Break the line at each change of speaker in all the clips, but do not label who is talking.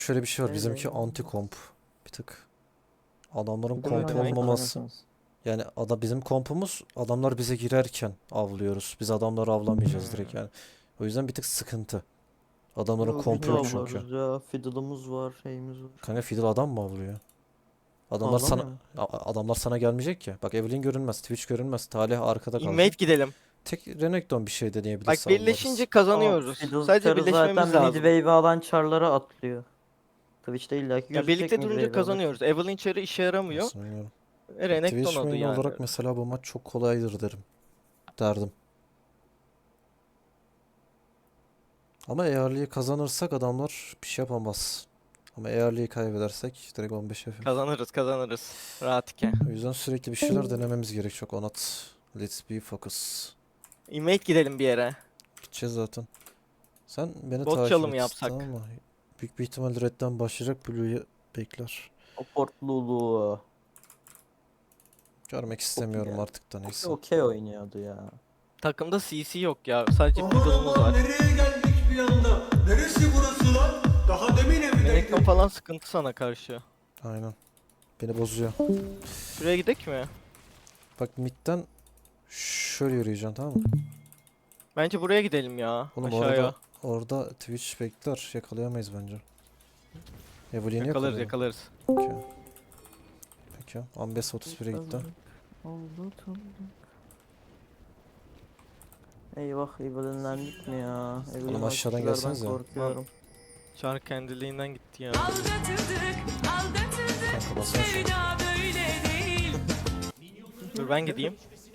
Şöyle bir şey var.
Evet,
Bizimki
evet.
anti komp. Bir tık. Adamların
Bir de
komp
böyle
olmaması.
oynarsanız.
Yani bizim kompumuz adamlar bize girerken avlıyoruz. Biz adamları avlamayacağız direkt yani. O yüzden bir tık sıkıntı. Adamların
Yo, biz
kompu
de
yok çünkü.
avlarız ya. Fiddle'ımız var, şeyimiz var.
Kanka Fiddle adam mı avlıyor? Adamlar sana
Avlamıyor mu?
adamlar sana gelmeyecek ki. Bak Evelynn görünmez, Twitch görünmez. Talih arkada
Invade
kalacak.
gidelim.
Tek Renekton bir şey
Bak
deneyebilirse
birleşince
avlarız.
Ama
kazanıyoruz.
Fiddle
Sadece
Carry zaten
birleşmemiz
mid
lazım.
wave alan char'lara atlıyor. Twitch'te illaki
Ya
gözükecek
birlikte
mid
durunca
wave alırken.
kazanıyoruz. Evelynn Cherry işe yaramıyor.
Nasıl bilmiyorum.
Renekton
Twitch
adı
main
yani.
olarak mesela bu maç çok kolaydır derim. Derdim. Ama eğerliği kazanırsak adamlar bir şey yapamaz. Ama eğerliği kaybedersek direkt 15 F.
Kazanırız. Rahat ki.
O yüzden sürekli bir şeyler denememiz gerek. Çok onat. Let's be focus.
Invade gidelim bir yere.
Gideceğiz zaten. Sen beni
Bot
takip
çalımı
et,
yapsak.
tamam mı? Büyük bir ihtimal redden başlayacak. Blue'yu bekler.
Support Lulu.
Görmek istemiyorum
ya.
artık da neyse.
Okey oynuyordu ya.
Takımda CC yok ya. Sadece Fiddle'ımız var.
Nereye geldik bir anda? Neresi burası lan? Daha demin
Renekton
evdeydim.
falan sıkıntı sana karşı.
Aynen. Beni bozuyor.
Şuraya gidek mi?
Bak midden şöyle yürüyeceksin, tamam mı?
Bence buraya gidelim ya.
Oğlum
Aşağıya.
orada Twitch bekler. Yakalayamayız bence. Evelyn'i
Yakalarız
yakalayalım.
yakalarız.
Peki. Peki. Ambes 31'e gitti.
Oldu tanıdık. Eyvah Evelyn'lendik mi ya? Evelyn
aşağıdan
ultilerden
gelsenize.
korkuyorum.
Çar kendiliğinden gitti ya.
Kanka basın şunu.
Dur ben gideyim.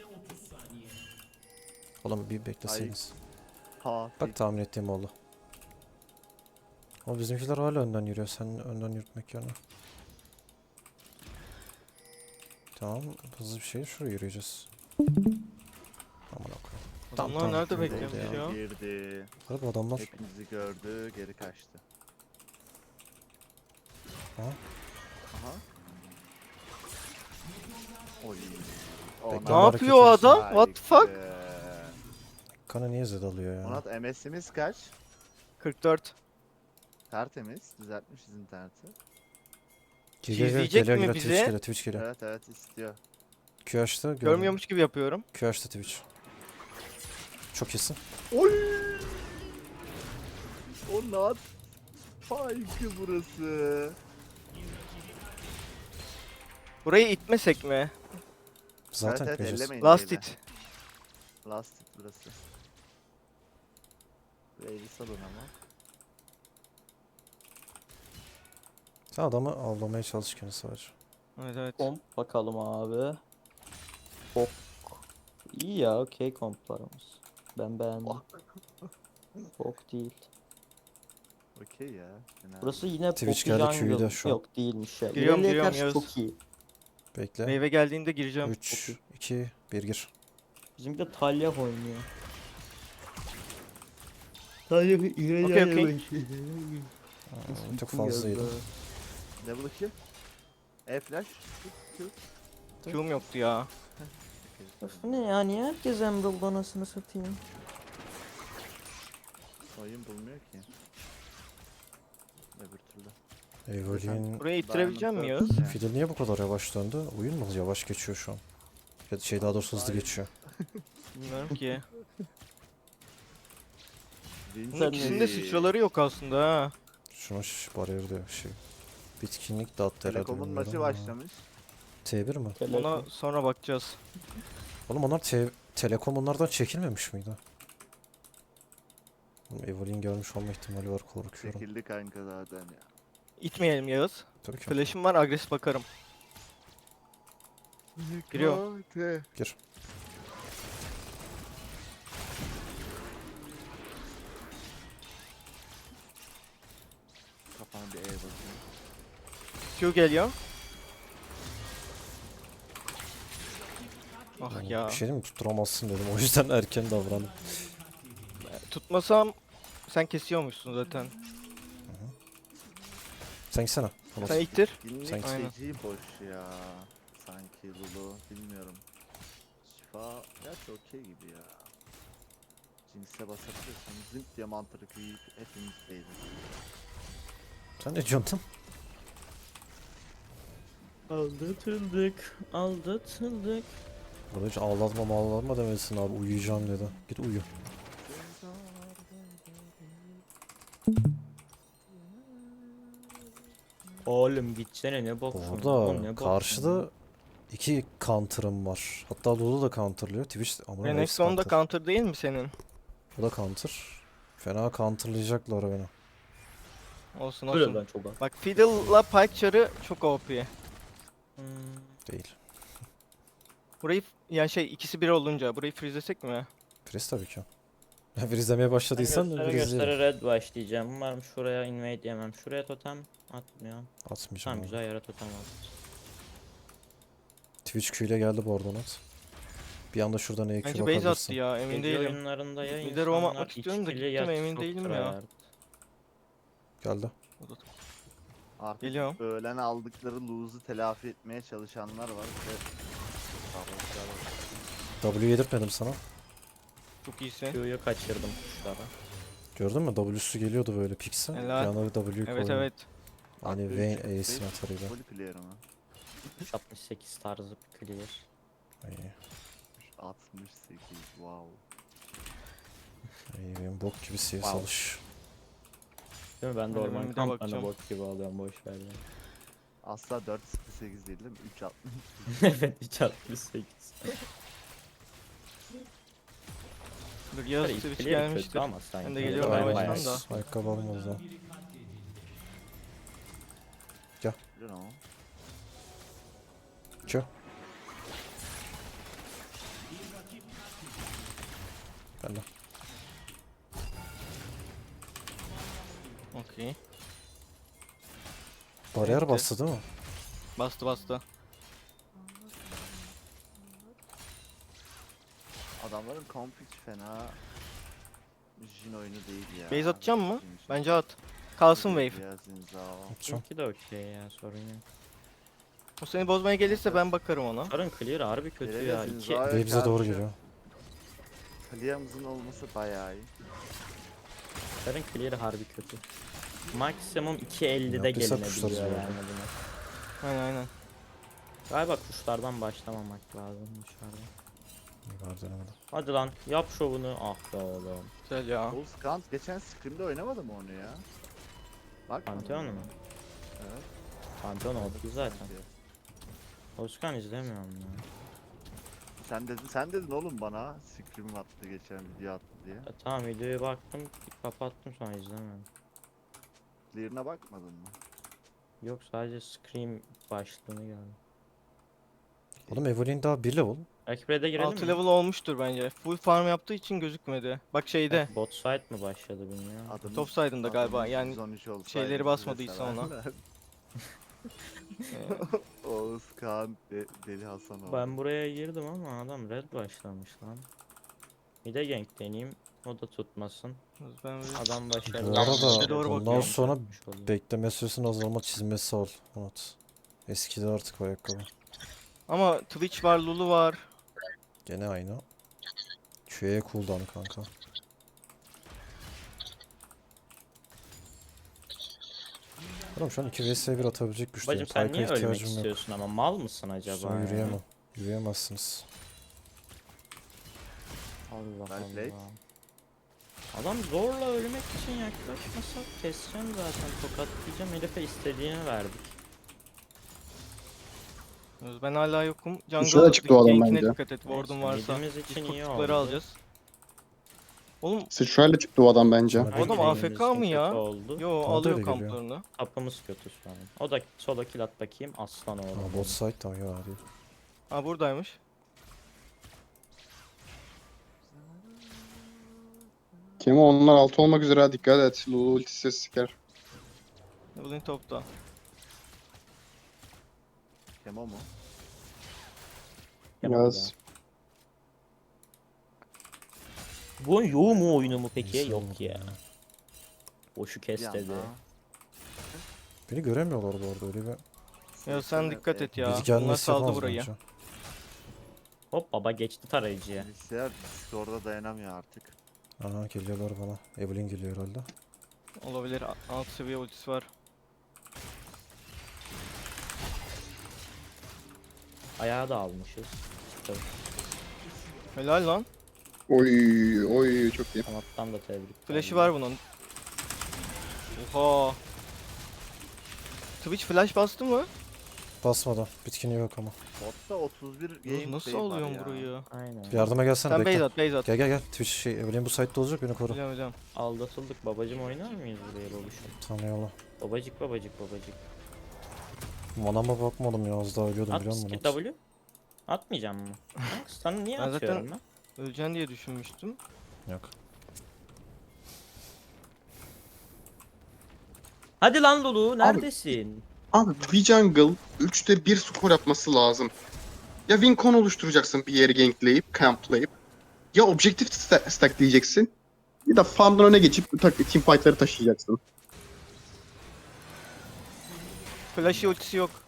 Oğlum bir bekleseydiniz.
Ha,
Bak tahmin ettiğim oldu. Ama bizimkiler hala önden yürüyor. Sen önden yürütmek yerine. Tamam. Hızlı bir şey şuraya yürüyeceğiz. Aman okuyayım.
Adamlar
tamam,
nerede
girdi
bekliyormuş
ya.
ya?
girdi.
Abi adamlar
Hepimizi gördü, geri kaçtı.
Ha?
Aha. Oy.
Bekle,
Ne
hareket
yapıyor o
ediyorsun.
adam? What the fuck?
kana niye zed alıyor ya?
Onat MS'imiz kaç?
44.
Tertemiz. Düzeltmişiz interneti.
İzleyecek mi
geliyor,
bizi?
Twitch geliyor, Twitch geliyor.
Evet evet istiyor.
Q açtı,
Görmüyormuş gibi yapıyorum.
Q açtı Twitch. Çok iyisin.
Oy! Onat. Faykı burası.
Burayı itmesek mi?
Zaten
evet
gideceğiz.
ellemeyin.
Last
diyeyle.
hit.
Last hit burası. Wave'i salın ama.
Sen adamı avlamaya çalışırken sadece.
Evet evet.
Komp bakalım abi. Bok. İyi ya okey komplarımız. Ben beğendim. Bok değil.
Okey ya. Fena
Burası yine
Twitch
Poppy
geldi,
Jungle.
Q'yu da şu an.
Yok değilmiş ya.
Giriyorum,
İleriye
giriyorum,
karşı
Yağız.
çok iyi.
Bekle.
Meyve geldiğinde gireceğim.
3, 2, 1 gir.
Bizimki de Talia oynuyor. Talia
Okey okey.
Çok fazlaydı.
Level 2. E-flash.
Q'm yoktu ya.
Öf ne ya niye herkes Emerald anasını satayım?
Oyun bulmuyor ki. Öbür türlü.
Evelyn
Burayı ittirebilecek miyim Yağız?
Yani.
Fiddle niye bu kadar yavaş döndü? Oyun mu yavaş geçiyor şu an? Ya da şey daha doğrusu hızlı
Hayır.
geçiyor.
Bilmiyorum ki.
Vinci.
Bunun ikisinin de sıçraları yok aslında ha.
Şuna bariyer diyor şey. Bitkinlik dağıttı herhalde.
Telekom'un
bilmiyorum
maçı
ama.
başlamış.
T1 mi?
Ona sonra bakacağız.
Oğlum onlar Telekom onlardan çekilmemiş miydi? Oğlum Evelyn görmüş olma ihtimali var, korkuyorum.
Çekildi kanka zaten ya.
İtmeyelim Yağız.
Tabii ki.
Flash'ım var, agresif bakarım. Giriyor.
Gir.
Kafana bir E basayım.
Q geliyor. Ah
Yani
ya.
bir şey değil mi? Tutturamazsın dedim. O yüzden erken davrandım.
Tutmasam sen kesiyormuşsun zaten.
Sen gitsene. Tamam.
Sen ittir.
Günlük
Sanki-
Aynen.
feci boş ya. Sanki Lulu. Bilmiyorum. Şifa gerçi okey gibi ya. Jinx'e basabiliyorsan zınk diye mantarı kıyıp hepimiz değiliz.
Sen ne diyorsun?
Aldatıldık. Aldatıldık.
Burada hiç ağlatma demesin abi. Uyuyacağım dedi. Git uyu.
Oğlum gitsene ne
Bu
bakıyorsun?
arada
Oğlum, ne
karşıda iki counter'ım var. Hatta Lulu da counter'lıyor. Twitch ama
Renekton da counter değil mi senin?
O da counter. Fena counter'layacaklar beni.
Olsun
bakıyorsun?
olsun.
Böyle ben çok
Bak Fiddle'la Pike çarı çok OP.
Değil.
Burayı yani şey ikisi bir olunca burayı freezelesek mi?
Freeze tabii ki. Freeze'lemeye başladıysan
göstere
freeze'leyelim.
göstere red başlayacağım. Umarım şuraya invade yemem. Şuraya totem atmıyor.
Atmayacağım
Tamam
abi.
güzel yere totem at.
Twitch Q ile geldi bu arada Onat. Bir anda şuradan EQ
Bence base attı
bakabilirsin.
ya emin
Gece
değilim.
oyunlarında ya
Bir de roam
insanlar
atmak istiyorum da
içkili
gittim,
yat
emin
çok
değilim ya.
tryhard.
Geldi.
Artık
Geliyorum.
öğlen aldıkları lose'u telafi etmeye çalışanlar var ve sarhoşlar var.
W yedirtmedim sana.
Çok iyisin.
Q'yu kaçırdım kuşlara.
Gördün mü? W'su geliyordu böyle Pix'e. Bir
Helal.
anda W'yu
Evet
koydu.
evet.
Hani
Abi,
Vayne
üç-
Ace'in
beş
atarıyla.
Full player mı?
68 tarzı bir clear.
İyi.
68 wow.
İyi benim bok gibi CS
Wow.
alış.
Değil mi? Ben de
Hadi
orman
ben bir de
kamplarına
bakacağım.
bot gibi alıyorum boş ver ya.
Asla 4.08 değil değil mi? 3.60.
Evet hiç 68.
Dur Yağız
Clear
Twitch
kötü
gelmiştir.
ama sanki.
Ben de geliyorum
Aynen.
yavaştan da.
Ayakkabı alma o zaman.
You know.
Q. Geldi.
Okey.
Bariyer
Bitti.
bastı değil mi?
Bastı bastı.
Adamların comp hiç fena Jin oyunu değil ya.
Base atacağım mı?
Jin için.
Bence at. Kalsın wave.
Ya Zinzao.
Atacağım.
Çünkü de okey ya sorun yok.
O seni bozmaya gelirse ben bakarım ona.
Karın clear harbi kötü
Nereye
ya.
gidiyorsunuz
2
abi?
Ve bize doğru
karşı-
geliyor.
Kaliyamızın olması bayağı iyi.
Karın clear harbi kötü. Maksimum 2.50'de
Yaptıysa
gelinebiliyor
kuşlar
yani
zorluyor.
buna.
Aynen aynen.
Galiba kuşlardan başlamamak lazım dışarıda.
İyi var denemedim.
Hadi lan yap şovunu. Ah be oğlum.
Güzel ya.
Oğuz Kant geçen scrim'de oynamadı mı onu ya? Bak.
Pantheon mu?
Evet.
Pantheon oldu zaten. Oskan izlemiyorum ya.
Sen dedin oğlum bana scrim attı geçen video attı diye.
Ya tamam videoya baktım kapattım sonra izlemedim.
Clear'ına bakmadın mı?
Yok sadece Scream başlığını gördüm.
Oğlum Evelyn daha 1 level.
Rakip red'e girelim
6
mi?
level olmuştur bence. Full farm yaptığı için gözükmedi. Bak şeyde.
Belki bot side mi başladı bilmiyorum.
Adamın,
Top side'ında galiba,
adamın
yani
113 olsaydı
şeyleri
bize
basmadıysa ona.
severler. Oğuz Kant Deli Hasan oldu.
Ben buraya girdim ama adam red başlamış lan. Bir de gank deneyeyim. O da tutmasın.
Ben bir-
Adam başarılı.
Bu arada
Bize doğru
bundan
bakıyorum.
sonra
Yapmış oluyor.
bekleme süresinin azalma çizmesi al. Onat. Eskidi artık o ayakkabı.
Ama Twitch var, Lulu var.
Gene aynı. Q'ye cooldown kanka. Oğlum şu an 2 vs 1 atabilecek güçteyim.
Bacım sen
Type'a
niye ölmek
ihtiyacım yok.
istiyorsun ama mal mısın acaba
Üstüne
ya?
yürüyemem. Yürüyemezsiniz.
Allah
Well played.
Allah. Adam zorla ölmek için yaklaşmasa keseceğim zaten tokatlayacağım herife istediğini verdik.
Ben hala yokum.
Şuraya
Jungle
çıktı o adam
gankine
bence.
dikkat et. Ward'un varsa.
Yediğimiz
Biz
için iyi
kurtçukları
oldu.
alacağız. Oğlum
Sıçrayla çıktı o adam bence.
Sana
o adam
Benim
AFK mı
kötü
ya?
oldu.
Yo
Bana da
alıyor
öyle geliyor.
kamplarını.
Tapımız kötü şu an. O da solo kill at bakayım aslan oğlum.
Aa, bot side tamam ya değil.
Ha buradaymış.
Kemo onlar altı olmak üzere ha, dikkat et. Lulu ultisi siker.
Evelyn topta.
Kemo mu?
Yapalım
Yaz.
ya. Bu yoğun mu oyunu mu peki?
İnsan
Yok
oldu
ya. Boşu kes
Bir
dedi.
anda.
Beni göremiyorlar bu arada öyle bir.
Ya sen dikkat et ya.
Biz
Bunlar
gelmesi
saldı
yapamaz
burayı.
bence.
Hop baba geçti tarayıcıya.
Bilgisayar Discord'a dayanamıyor artık.
Aha geliyorlar bana. Evelyn geliyor herhalde.
Olabilir. Alt seviye ultisi var.
Ayağı da almışız. Tabii.
Helal lan.
Oy çok iyi.
Kanattan da tebrik.
Flash'ı var bunun. Oha. Twitch flash bastı mı?
Basmadan. Bitkini yok ama.
Botta 31
Oğlum
game
nasıl
şey var
alıyorsun
ya.
burayı?
Aynen.
Yardıma gelsene
Sen
bekle.
base at, base at.
Gel gel gel. Twitch şey Evelyn bu site'de olacak beni koru.
Biliyorum hocam.
Aldatıldık babacım, oynar mıyız buraya babuşum?
Tanıyalım.
Babacık babacık babacık.
Manama bakmadım ya az daha ölüyordum
At
biliyor musun?
skip W. Atmayacağım mı? Sana niye
Ben zaten-
atıyorum ben?
Öleceksin diye düşünmüştüm.
Yok.
Hadi lan Lulu neredesin?
Abi bir jungle 3'te 1 skor yapması lazım. Ya win con oluşturacaksın bir yeri gankleyip, camplayıp. Ya objektif stack diyeceksin. Ya da farmdan öne geçip team fight'ları taşıyacaksın.
Flash'ı ultisi yok.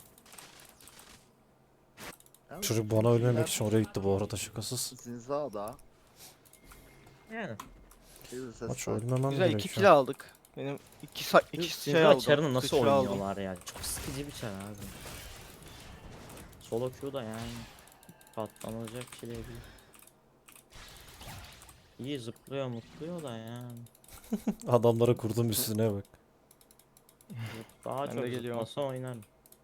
Yani
Çocuk bana ölmemek için oraya gitti bu arada şakasız.
Zinza'da.
Yani.
Maç ölmemem
Güzel 2
gerekiyor.
kill aldık. Benim 2 şey
Sinza
aldım.
çarını nasıl
sıçra aldım.
oynuyorlar ya? Çok sıkıcı bir çar abi. Solo Q da yani. Patlanacak şey değil. İyi zıplıyor mutluyor da yani.
Adamlara kurdum üstüne bak.
Daha
Ben
çok
de geliyorum.
zıplasa oynarım.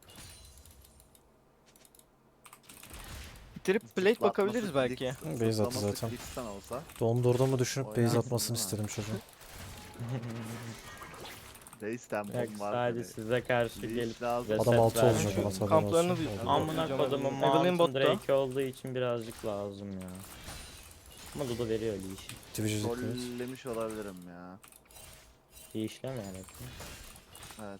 Bitirip plate bakabiliriz belki.
Base attı zaten.
olsa.
Dondurduğumu düşünüp base
Oynarsın
atmasını
değil mi?
istedim çocuğun.
Base
Yok
tempom var.
sadece
hani.
size karşı
Leash
gelip
lazım.
reset
Adam altı
vermiş.
olacak ama tabii
Kamplarını
olsun.
bir-
Oldu.
Amına kodumun
Evelyn
Mountain
botta.
Drake olduğu için birazcık lazım ya. Ama Dudu veriyor leash'i.
Twitch'e dikkat et.
Trollemiş olabilirim ya.
Leash'lemeyerek mi?
Evet.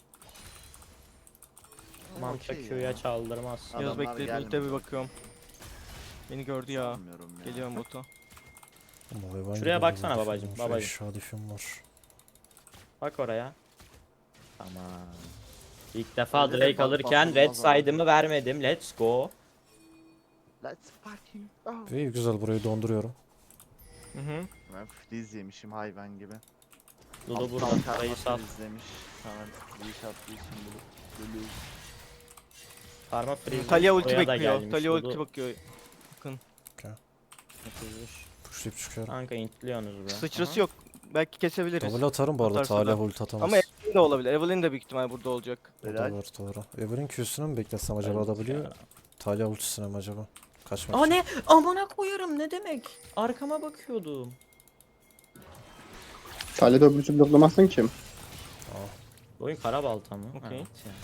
Mantra
Okey
Q'ya
ya.
çaldırmaz.
Adamlar
Yaz bekle
gelmedi.
ult'e bir bakıyorum. Beni gördü ya.
Sanmıyorum ya.
Geliyorum bota.
Ama hayvan
Şuraya
gibi
baksana
hayvan
babacım,
difim var.
babacım.
Aşağı difim var.
Bak oraya. Tamam. İlk defa
Öyle de
Drake
bak-
alırken
bakılmaz
red
abi.
side'ımı vermedim. Let's go.
Let's fucking go.
İyi güzel burayı donduruyorum.
Hı hı.
Ben freeze yemişim hayvan gibi.
Dudu burada.
Alttan
Parayı
karma
sal.
freeze'lemiş. Hemen leash attığı için Lulu.
Parma freeze.
Talia ulti
buraya da
bekliyor.
gelmiş.
Talia
Dudu
ulti bakıyor.
atılmış.
Pushlayıp çıkıyorum.
Kanka intliyorsunuz be.
Sıçrası yok. Belki kesebiliriz.
Double atarım bu arada.
Atarsa
Talih
da.
ult atamaz.
Ama Evelyn de olabilir. Evelyn de büyük ihtimal burada olacak.
O da
Helal.
var doğru. Evelyn Q'sunu mu beklesem acaba
Evet
W?
ya.
Talih ultisine mi acaba? Kaçmak
Aa
için.
ne? Amına koyarım ne demek? Arkama bakıyordum.
Talih'de öbür türlü bloklamazsın ki.
Oyun kara balta mı?
Okey.
Evet ya.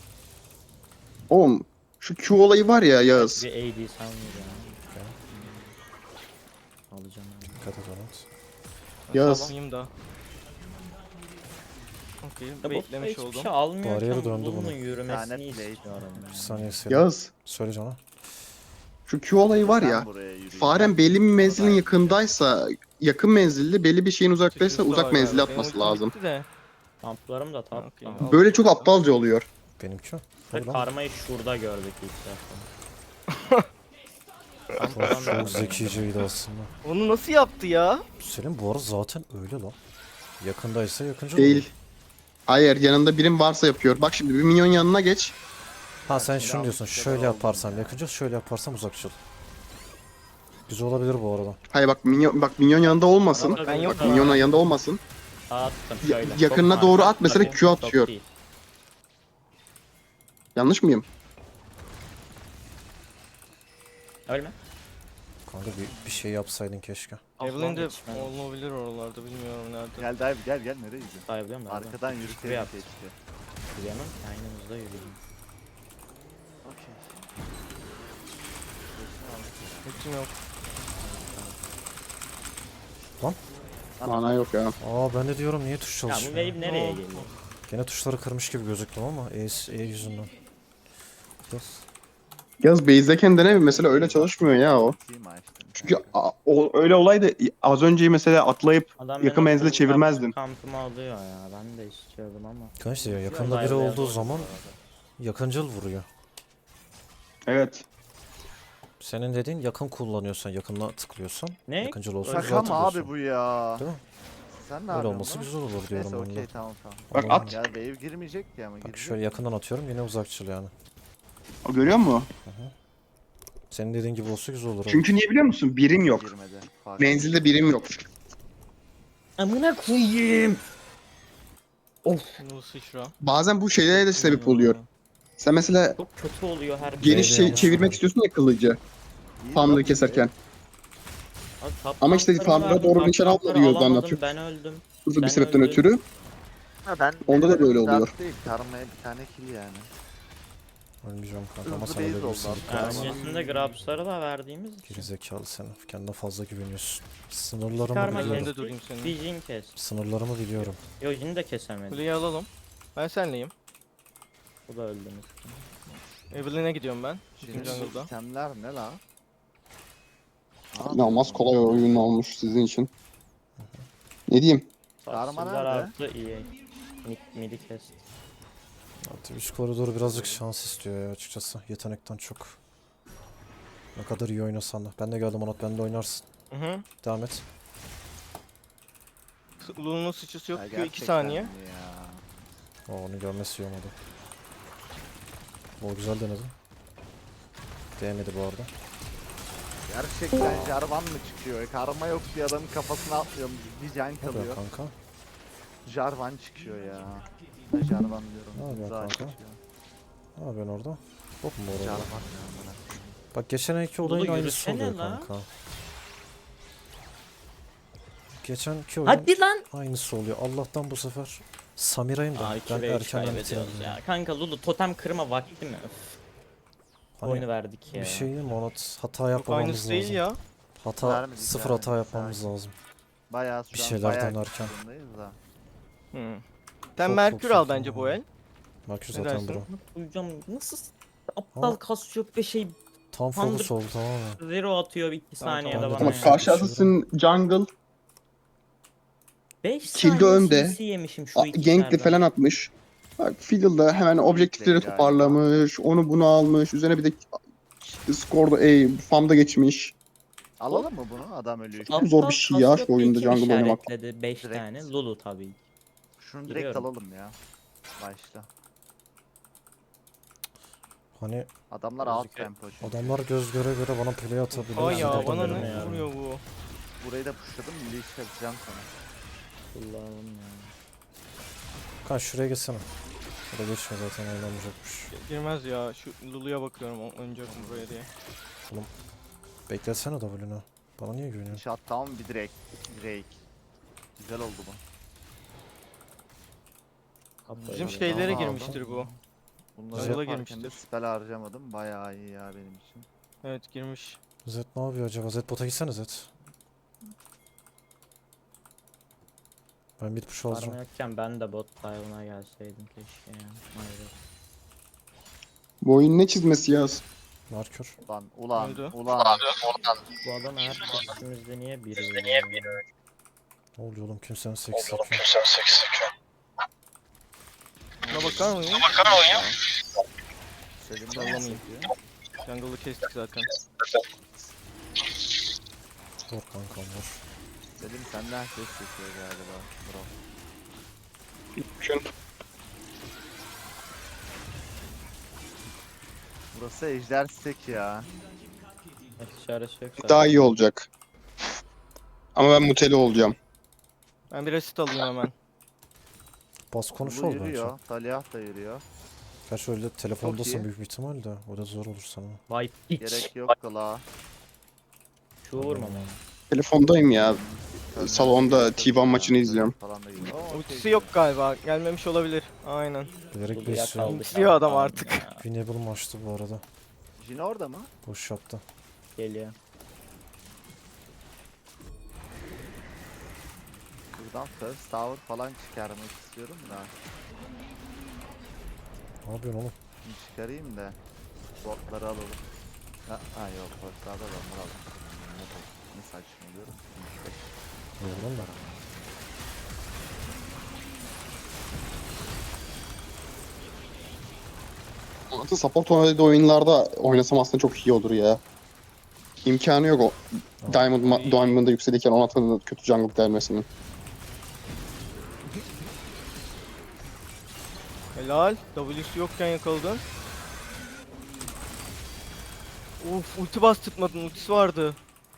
Oğlum şu Q olayı var ya Yağız.
Bir AD sanmıyor ya. Alacağım abi.
Dikkat et ona.
Yağız.
Alayım da. Okey,
Ya bu
beklemiş
hiçbir
oldum.
şey almıyorken
Bariyeri döndü
bunun
bunun.
yürümesini
Lanet blade.
istiyorum.
Bir
ya.
saniye seni.
Yağız.
Söyle cana.
Şu Q olayı var
Ben
ya.
buraya yürüyeyim.
Faren belli bir menzilin
Orada-
yakındaysa, yakın menzilli, belli bir şeyin uzaktaysa
Sıçrası
uzak
var
menzilli
galiba. Benim
atması
ultim
lazım.
bitti de.
Kamplarım da top.
Okey.
Tamam.
Böyle çok aptalca oluyor.
Benimki.
Ve
Tabii lan.
karmayı şurada gördük ilk defa.
Çok zekiceydi aslında.
Onu nasıl yaptı ya?
Senin bu arada zaten öyle lan. Yakındaysa yakıncı
Değil.
olur.
Hayır yanında birim varsa yapıyor. Bak şimdi bir minyon yanına geç.
Ha sen
Şimdi
şunu diyorsun.
almış kadar
Şöyle
oldum
yaparsam
ya.
yakıncı, şöyle yaparsam uzakçıl. Güzel olabilir bu arada.
Hayır bak minyon yanında olmasın.
Adam-
Ben yok.
Bak minyon yanında olmasın.
Attım
Ya-
şöyle.
yakınına
Çok
doğru
marka,
at, mesela
bakayım,
Q
çok
atıyor.
değil.
Yanlış mıyım?
Ölme.
Kanka bir şey yapsaydın keşke.
Evelyn de
yetişmedi.
olabilir oralarda bilmiyorum nerede.
Gel dive gel nereye gidiyorsun?
Sayabiliyor muyum?
Arkadan
Şuraya
yürütelim
yap.
keşke.
Yürüyemem. Aynımızda yürüyelim.
Okey.
Ultim yok.
Mana yok ya.
Aa ben de diyorum niye tuş
Ya bu
çalışmıyor?
wave nereye
Ne
geliyor?
Gene tuşları kırmış gibi gözüktüm ama E yüzünden. Yes.
Yaz base'deyken dene mesela öyle çalışmıyor ya o.
Team açtım.
Çünkü öyle olaydı az önce mesela atlayıp
Adam
yakın
benim
menzile
bu
çevirmezdim.
Kampımı alıyor ya. Ben de istiyordum ama.
Kanka işte ya yakında
Güzel
biri
ayarlayan
olduğu
oyun
zaman
bu arada.
yakıncıl vuruyor.
Evet.
Senin dediğin yakın kullanıyorsan, yakınla tıklıyorsan
Ne?
yakıncıl olsun
Öyle
güzel
Şaka mı abi
tıklıyorsun.
bu ya?
Değil mi?
Sen ne
Öyle
yapıyorsun
olması
lan?
güzel olur diyorum
Neyse
ben
okey
de.
tamam tamam.
Bak
Anladın
at.
mı?
Ya wave girmeyecek ki ama
Bak
girecek.
şöyle yakından atıyorum yine uzakçıl yani.
O görüyor musun?
Senin dediğin gibi olsa güzel olur.
Çünkü niye biliyor musun? Birim yok.
Girmedi. Fark
Menzilde birim yok.
Amına koyayım.
Bu sıçra.
Bazen bu şeylere de sebep oluyor. Sen mesela
Çok kötü oluyor her
geniş
Neydi
şey
yanlış
çevirmek
anladım.
istiyorsun ya kılıcı.
İyi,
Farmları
çok iyi.
keserken.
Abi, top
Ama işte
tanklarımı
farmlara
verdim,
doğru
top
nişan
tankları
alma diyor
alamadım,
anlatıyor.
Ben öldüm.
Hızlı bir
Ben
sebepten
öldüm.
ötürü.
Ha, ben
Onda da
benim
böyle
dert
oluyor.
Değil. Karmaya bir tane kill yani.
Ölmeyeceğim kanka ama
Hızlı
sana
base
öyle
oldu
bir
abi.
Yani
Karma.
öncesinde Grabs'ları da verdiğimiz için.
Geri zekalı sen. Kendine fazla güveniyorsun. Sınırlarımı
Çıkarma
biliyorum.
Önünde durayım senin.
Bir Jhin kes.
Sınırlarımı biliyorum.
Yo Jin'i de kesemedim.
Kuleyi alalım. Ben senleyim.
Bu da öldü.
Evelyn'e gidiyorum ben.
Şimdi
Şimdi jungle'da.
sistemler ne la?
İnanılmaz kolay oyun olmuş sizin için. Ne diyeyim?
Karma
Sarsıldılar
nerede?
artı iyi. Midi kesti.
Artık üst koridoru birazcık şans istiyor ya açıkçası. Yetenekten çok. Ne kadar iyi oynasan da. Ben de geldim Onat, ben de oynarsın.
Hı hı.
Devam et.
Lulu'nun sıçrası yok.
Ya
2
gerçekten
saniye.
mi ya?
O onu görmesi iyi olmadı. O güzel denedi. Değmedi bu arada.
Gerçekten Jarvan mı çıkıyor? Karma yok diye adamın kafasına atlıyorum. Bir can
Ne yapıyor
kalıyor.
kanka?
Jarvan çıkıyor ya. Ne Jarvan diyorum.
Ne yapıyor
Zah
kanka?
çıkıyor.
Ne yapıyorsun orada? Hop mu orada?
Jarvan ya. amına.
Bak geçen iki
Lulu
olayın aynısı
yürüsene
oluyor
la.
kanka. Geçen iki oyun
Hadi lan.
aynısı oluyor. Allah'tan bu sefer Samira'yım da
Aa,
ben
iki
erkenden
kaybediyoruz
bitirdim.
ya. Kanka Lulu totem kırma vakti mi? Öf.
Hani
Oyunu verdik ya.
bir şey diyeyim mi Onat? Hata
Yok
yapmamamız
aynısı değil
lazım.
ya.
Hata,
Vermedik
sıfır
yani,
hata yapmamız
sakin.
lazım.
Bayağı
Bir
şu an
şeyler
bayağı
denerken.
kısımdayız da.
Hı. Sen
Çok,
Merkür
çok
al
saçma
bence bu
ya.
el.
Merkür
Ne
zaten
dersin?
bro.
Hocam nasıl aptal
Ama-
kas yok ve şey
Tam focus oldu tamamen.
zero atıyor 2
Tamam,
saniyede
tamam.
bana
Ama
Ben de
ya.
karşı asasın jungle
5
Kilde
saniye
önde.
CC yemişim şu iki
gankli falan atmış. Bak Fiddle'da hemen objektifleri
Gankli
toparlamış. Onu bunu almış. Üzerine bir de skorda farmda geçmiş.
Alalım mı bunu? Adam ölüyor.
Çok zor bir şey ya şu oyunda jungle oynamak.
5
Direkt.
tane Lulu tabii.
Şunu direkt
Biliyorum.
alalım ya. Başla.
Hani
Adamlar alt
Gözüküyor.
tempo çünkü.
adamlar göz göre göre bana play atabiliyor.
Ay
Ben
ya
de
bana
atamıyorum
ne
ya.
vuruyor bu?
Burayı da pushladım. Milli iş yapacağım sana.
Kullanalım ya.
Kan şuraya geçsene. Burada geçme zaten oynamayacakmış.
Girmez ya. Şu Lulu'ya bakıyorum oynayacak mı buraya diye.
Beklesene W'nü. Bana niye güveniyorsun?
Shot down bir direkt. Drake. Güzel oldu bu.
Bizim
Böyle
şeylere
Tamam,
girmiştir bu.
Bunları
Jungle'a
yaparken de
girmiştir.
spell harcamadım. Bayağı iyi ya benim için.
Evet girmiş.
Zed ne yapıyor acaba? Zed bota gitsene Zed. Ben mid push
Varma
alacağım.
yokken ben de bot dive'ına gelseydim keşke ya. Hayır.
Bu oyun ne çizmesi ya?
Merkür.
Ulan
Öldü.
ulan.
Bu adam her testimizde niye biri ölüyor?
Ne oluyor oğlum, kimsenin seksi yok.
Buna bakar mıyım?
Selim de
Sallamayayım.
bahsediyor.
Jungle'ı kestik zaten.
Vur kankam vur.
Selim senden ses çekiyor galiba. Bro.
Düşün.
Burası ejder stek ya.
İşaresi yok zaten.
Daha iyi olacak. Ama ben muteli olacağım.
Ben bir asit alayım hemen.
Bas konuş
Lulu
ol bence.
yürüyor. Talyah da yürüyor.
Gerçi öyle telefondasın
iyi.
büyük bir ihtimal de. O da zor olur sana.
Vay piç.
Gerek yok kala.
Şu vurmam onu.
Telefondayım ya. Salonda T1 maçını izliyorum.
Falan da yürüyor. Oo,
Ultisi
okey.
yok galiba. Gelmemiş olabilir. Aynen.
Bilerek
Lulu'ya
besliyorum.
kaldık
Bitiriyor
abi,
adam
tamam
artık.
ya.
Winnable maçtı bu arada.
Jin orada mı?
Boş yaptı.
Geliyor.
Buradan first tower falan çıkarmak istiyorum da.
Ne yapıyorsun oğlum?
Şimdi çıkarayım da. Botları alalım. Ha yok first tower ben alalım. Ne saçmalıyorum.
Vurdun da.
Onat'ın support oynadığı oyunlarda oynasam aslında çok iyi olur ya. İmkanı yok o. Diamond'da yükselirken Onat'ın da kötü jungle gelmesinin.
Helal. W'su yokken yakaladın. Uf ulti bastırtmadın, ultisi vardı.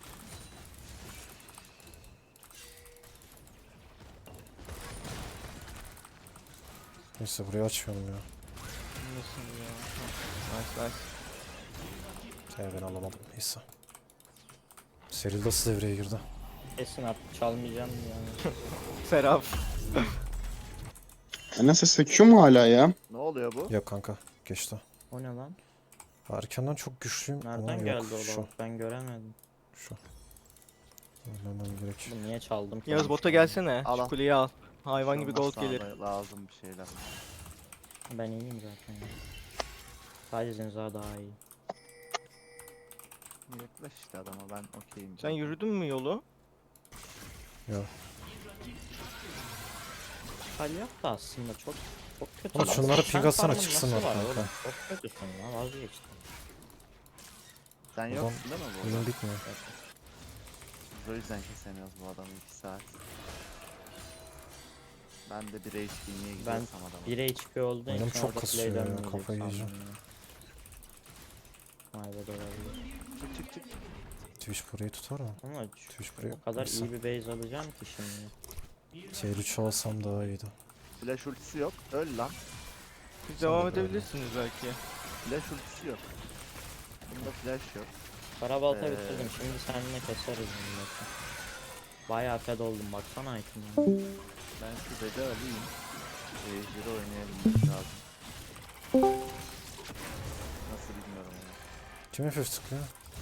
Neyse burayı açmıyorum ya.
Nasıl ya? Nice nice.
Ben alamadım. Neyse. Seril nasıl devreye girdi?
Kesin artık çalmayacağım yani.
Serap.
Nasıl sekiyor mu hala ya?
Ne oluyor bu?
Yok kanka. Geçti.
O ne lan?
Erkenden çok güçlüyüm. ama
Nereden
yok.
geldi o
Şu.
lavuk? Ben göremedim.
Şu. Ölmemem gerek.
Bu niye çaldım ki?
Yağız bota gelsene.
Al,
Şu
al.
kuleyi al. Hayvan gibi
Olmazsa
gold gelir.
Lazım bir şeyler.
Ben iyiyim zaten ya. Sadece Zinza daha iyi.
Yaklaş işte adama ben okeyim.
Sen
zaten.
yürüdün mü yolu?
Yok.
Kalyak da aslında çok kötü.
Oğlum
lan.
şunlara
Sen
ping atsana,
farmın
çıksınlar
nasıl var
kanka.
oğlum? Çok kötüsün lan, vazgeçtim.
Sen
Adam-
yoksun değil mi bu
Oyun
arada?
bitmiyor.
Biz o yüzden kesemiyoruz bu adamı 2 saat. Ben de bir HP niye gidiyorsam adama.
1 HP olduğu
Oyunum
için
çok
orada
kasıyor
play
ya,
dönmeyecek
kafayı
sandım
yiyeceğim.
ya. Vay be olabilir.
Çık çık çık.
Twitch burayı tutar mı?
Ama
Twitch burayı.
o kadar
Neyse.
iyi bir base alacağım ki şimdi.
Tier 3 alsam daha iyiydi.
Flash ultisi yok. Öl lan.
Siz
Sen
devam
de böyle.
edebilirsiniz belki.
Flash ultisi yok. Bunda flash yok.
Karabalta
Ee,
bitirdim, şimdi seninle keseriz milleti. Bayağı fed oldum, baksana item'e.
Ben şu bede alayım. Ejder'i oynayabilmek lazım. Nasıl bilmiyorum onu.
Kim FF tıklıyor?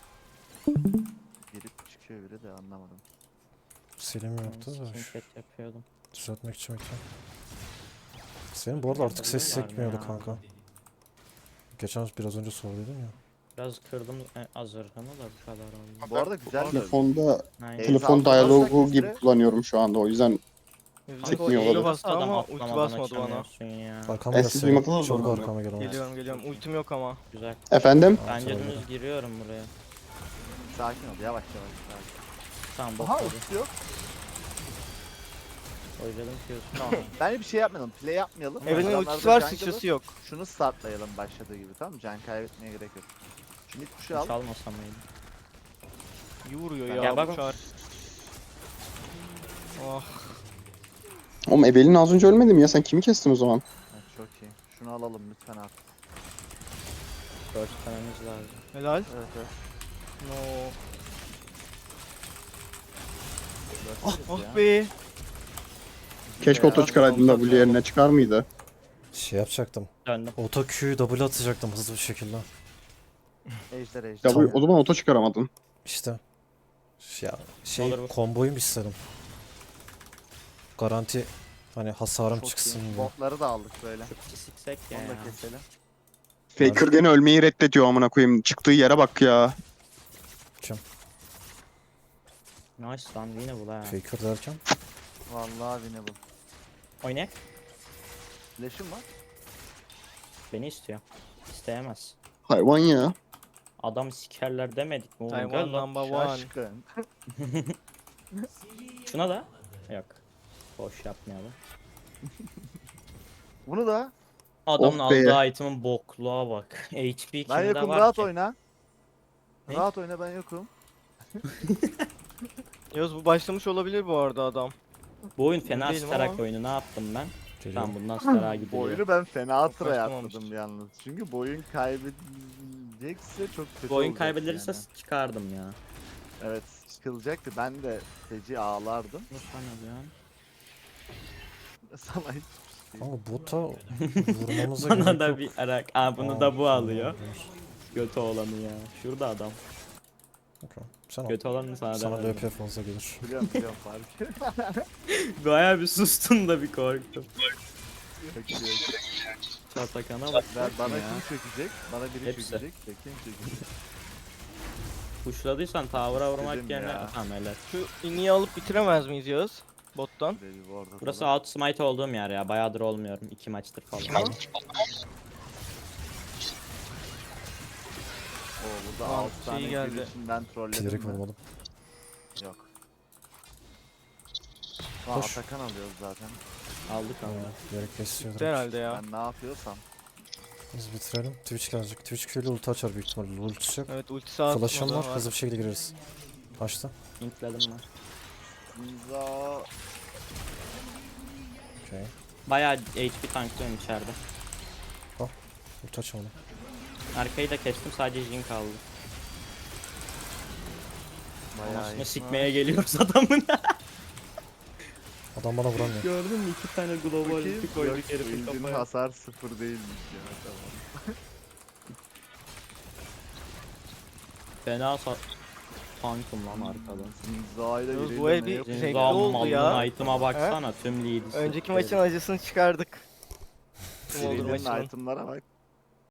Girip çıkıyor biri de anlamadım.
Selim yaptı da şu-
Skinket yapıyordum.
düzeltmek için bekliyorum. Senin bu arada artık ses
Yapabilirler mi
sekmiyordu
ya?
kanka. Geçen biraz önce sorduydun ya.
Biraz kırdım azırgını da bu kadar oldu.
Bu arada güzel de.
Telefonda
Aynen.
telefon
altı
diyalogu
bassak
gibi
bizde-
kullanıyorum şu anda o yüzden
Kanka o
Çekmiyor
E'yi
olabilir.
bastı
nasıl adam
ama ulti
atlamadan
basmadı bana.
açamıyorsun ya.
Arkama
siz
gelsene.
duymadınız
Çok
mı onu?
arkama gel.
Geliyorum. Ultim yok ama.
Güzel.
efendim
Bence
Tamam,
dümdüz giriyorum buraya.
Sakin ol yavaş yavaş. Sakin.
Tamam
Aha
botladı.
ulti yok.
Oyladım Q'sunu.
Tamam. Bence bir şey yapmayalım. Play yapmayalım.
Evelyn'in
Adamlar
ultisi
da
var,
jungle'ı-
sıçrası yok.
Şunu startlayalım başladığı gibi tamam mı? Can kaybetmeye gerek yok. Şimdi kuşu al.
Çalmasam mıydı?
İyi vuruyor
Ya
ya
bak
bu
o-
çar. Oh.
oğlum Ebel'in az önce ölmedi mi ya sen kimi kestin o zaman?
Evet, çok iyi. Şunu alalım lütfen artık.
Burst dememiz lazım.
Helal.
Evet evet.
No.
Bırakırız ya.
Oh be.
Keşke
Ya,
oto çıkaraydın
olsak
W
ya.
yerine çıkar mıydı?
Şey yapacaktım.
Döndüm.
Auto Q'yu W atacaktım hızlı bir şekilde.
Ejder ejder.
W o zaman oto çıkaramadın.
İşte. Ya şey
Olur bu.
komboyu mu istedim? Garanti hani hasarım
Çok
çıksın
iyi.
diye.
Botları da aldık böyle.
Çok siksek ya.
Onu da keselim.
Faker gene ölmeyi reddediyor amına koyayım. Çıktığı yere bak ya.
Nice lan yine bu la.
Faker derken.
Vallahi winnable.
Oynayak.
Flash'ım var.
Beni istiyor. İsteyemez.
Hayvan ya.
Adam sikerler demedik mi oğlum?
Taiwan
Gel lan.
number one.
Şaşkın.
Şuna da. Yok. Boş yapmayalım.
Bunu da.
Adamın
Oh be.
aldığı item'ın bokluğa bak. HP
Ben
kimde
yokum
var
rahat
ki?
oyna.
Ne?
Rahat oyna ben yokum.
Yağız bu başlamış olabilir bu arada adam.
Bu oyun fena
Değilim
starak
ama.
oyunu ne yaptım ben?
Geliyorum.
Tamam bundan stara
Bu
gidiyor.
oyunu ben fena tıra
başlamamıştım.
yapmadım yalnız. Çünkü bu oyun kaybedecekse çok kötü
Bu oyun
olacak
kaybedilirse
yani.
çıkardım ya.
Evet çıkılacaktı. Ben de feci ağlardım.
Ne sanıyorsun?
Sana hiç
Kanka bota vurmamıza
Bana
gerek
da
yok.
bir arak. Aa bunu da bu
Aa,
alıyor. Götü olanı ya. Şurada adam.
okey. Sen al.
Götü olanı sana
Sana
demedim.
LP fazla gelir.
biliyorum fark.
Bayağı bir sustun da bir korktum.
Yok, yok.
Çatakana bak.
Bana
ya.
kim çökecek? Bana biri
Hepsi.
çökecek de kim çökecek?
Kuşladıysan tavra vurmak
Dedim
yerine...
ya.
Tamam helal.
Şu iniyi alıp bitiremez miyiz Yağız? Bottan.
Dedi bu arada
Burası
falan.
outsmite olduğum yer ya. Bayağıdır olmuyorum. 2 maçtır falan.
Oo burada
Tamam,
6 tane
şey
geldi.
geldi.
için ben trolledim
Bilerek
mi?
vurmadım.
Yok. Aa,
Koş.
Atakan alıyoruz zaten.
Aldık ama.
Bilerek kesiyor.
Bitti herhalde ya.
Ben ne yapıyorsam.
Biz bitirelim. Twitch gelecek. Twitch Q'yle ulti açar büyük ihtimalle. Ulti yok.
Evet ultisi atmadı
Flash'ım var.
ama.
Hızlı bir şekilde gireriz. Açtı.
Linkledim ben.
İmza.
Okey.
Bayağı HP tanklıyorum içeride.
Ulti açamadım.
Arkayı da kestim, sadece Jhin kaldı.
Bayağı
Anasını
iyi.
sikmeye geliyoruz adamın.
Adam bana vuramıyor.
Gördün mü? 2 tane global
Bakayım.
ulti koyduk
Yok,
herifin
Wind'in
kafaya.
hasar 0 değilmiş ya. Tamam.
Fena tankım lan arkada.
İmzayla
Yalnız
biriyle
bu el
ne
bir
yapıyor?
zevkli
Zinzam
oldu ya.
malının item'a baksana, tüm lead'i
Önceki
sikti
maçın
herif.
acısını çıkardık. Tüm olur
Birilerinin
maçının.
itemlara bak.